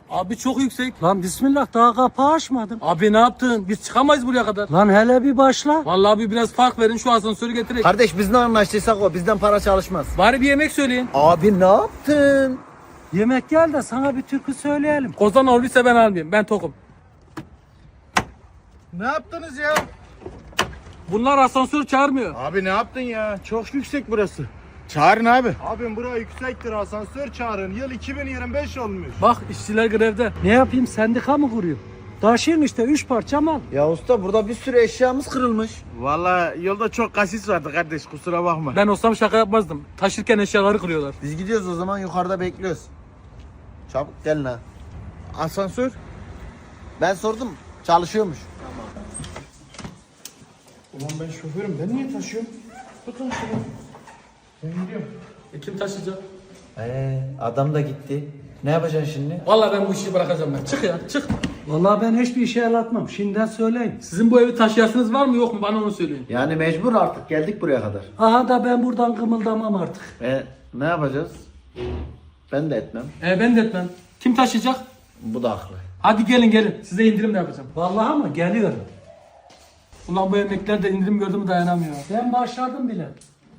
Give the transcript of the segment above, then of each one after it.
Abi çok yüksek. Lan bismillah daha kapağı açmadım. Abi ne yaptın? Biz çıkamayız buraya kadar. Lan hele bir başla. Vallahi abi biraz fark verin şu asansörü getirin. Kardeş biz ne anlaştıysak o. Bizden para çalışmaz. Bari bir yemek söyleyin. Abi ne yaptın? Yemek gel de sana bir türkü söyleyelim. Kozan olduysa ben almayayım. Ben tokum. Ne yaptınız ya? Bunlar asansör çağırmıyor. Abi ne yaptın ya? Çok yüksek burası. Çağırın abi. Abim bura yüksektir, asansör çağırın. Yıl 2025 olmuş. Bak işçiler grevde. Ne yapayım, sendika mı kuruyor? Taşıyın işte 3 parça mal. Ya usta burada bir sürü eşyamız kırılmış. Vallahi yolda çok kasis vardı kardeş, kusura bakma. Ben olsam şaka yapmazdım. Taşırken eşyaları kırıyorlar. Biz gidiyoruz o zaman, yukarıda bekliyoruz. Çabuk gelin ha. Asansör? Ben sordum, çalışıyormuş. Ulan ben şoförüm, ben niye taşıyorum? Tutun şunu. Ben gidiyorum. Kim taşıyacak? Adam da gitti. Ne yapacaksın şimdi? Vallahi ben bu işi bırakacağım ben. Çık ya çık. Vallahi ben hiçbir işe el atmam. Şimdiden söyleyeyim. Sizin bu evi taşıyasınız var mı yok mu? Bana onu söyleyin. Yani mecbur artık, geldik buraya kadar. Aha da ben buradan kımıldamam artık. Ne yapacağız? Ben de etmem. Ben de etmem. Kim taşıyacak? Bu da haklı. Hadi gelin. Size indirim de yapacağım. Vallahi ama geliyorum. Ulan bu emekliler de indirim gördü mü dayanamıyor. Ben başladım bile.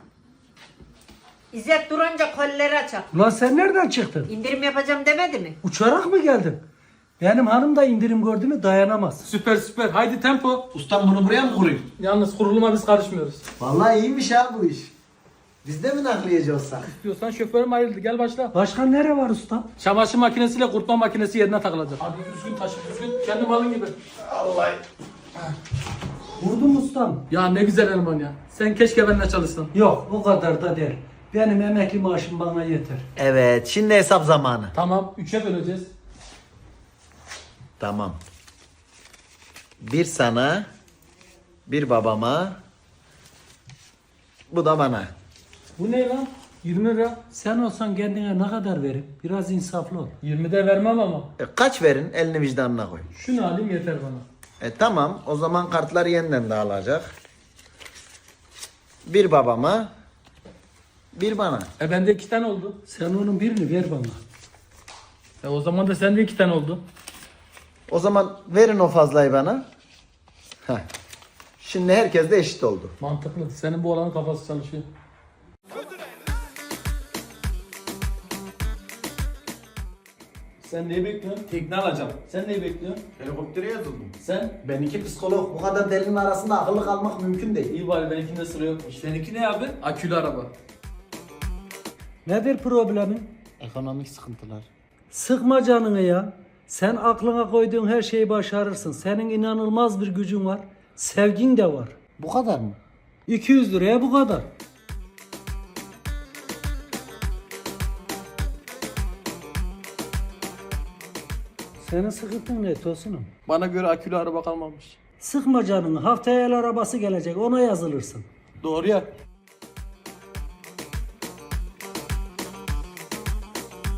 İzzet durunca kolleri açar. Ulan sen nereden çıktın? İndirim yapacağım demedi mi? Uçarak mı geldin? Benim hanım da indirim gördü mü dayanamaz. Süper. Haydi tempo. Ustam bunu buraya mı kurayım? Yalnız kuruluma biz karışmıyoruz. Vallahi iyiymiş ha bu iş. Biz de mi nakliyeci olsak? Diyorsan şoförüm ayrıldı. Gel başla. Başka nere var usta? Çamaşır makinesiyle kurutma makinesi yerine takılacak. Hadi düzgün taşı düzgün. Kendi malın gibi. Vurdum ustam. Ya ne güzel eleman ya. Sen keşke benimle çalışsan. Yok o kadar da değil. Benim emekli maaşım bana yeter. Evet, şimdi hesap zamanı. Tamam 3'e böleceğiz. Tamam. Bir sana, bir babama, bu da bana. Bu ne lan? 20 lira. Sen olsan kendine ne kadar verim? Biraz insaflı ol. 20 de vermem ama. Kaç verin? Elini vicdanına koy. Şunu alayım yeter bana. Tamam, o zaman kartlar yeniden dağılacak. Bir babama, bir bana. Bende 2 tane oldu. Sen onun birini ver bana. O zaman da sende 2 tane oldu. O zaman verin o fazlayı bana. Heh. Şimdi herkes de eşit oldu. Mantıklı. Senin bu olanın kafası çalışıyor. Sen neyi bekliyorsun? Tekne alacağım. Sen neyi bekliyorsun? Helikoptere yazıldım. Sen? Ben iki psikolog. Bu kadar delinin arasında akıllı kalmak mümkün değil. İyi bari benimkinde sıra yokmuş. Seninki ne abi? Akülü araba. Nedir problemin? Ekonomik sıkıntılar. Sıkma canını ya. Sen aklına koyduğun her şeyi başarırsın. Senin inanılmaz bir gücün var. Sevgin de var. Bu kadar mı? 200 liraya bu kadar. Senin sıkıntın ne Tosunum? Bana göre akülü araba kalmamış. Sıkma canını. Haftaya el arabası gelecek. Ona yazılırsın. Doğru ya.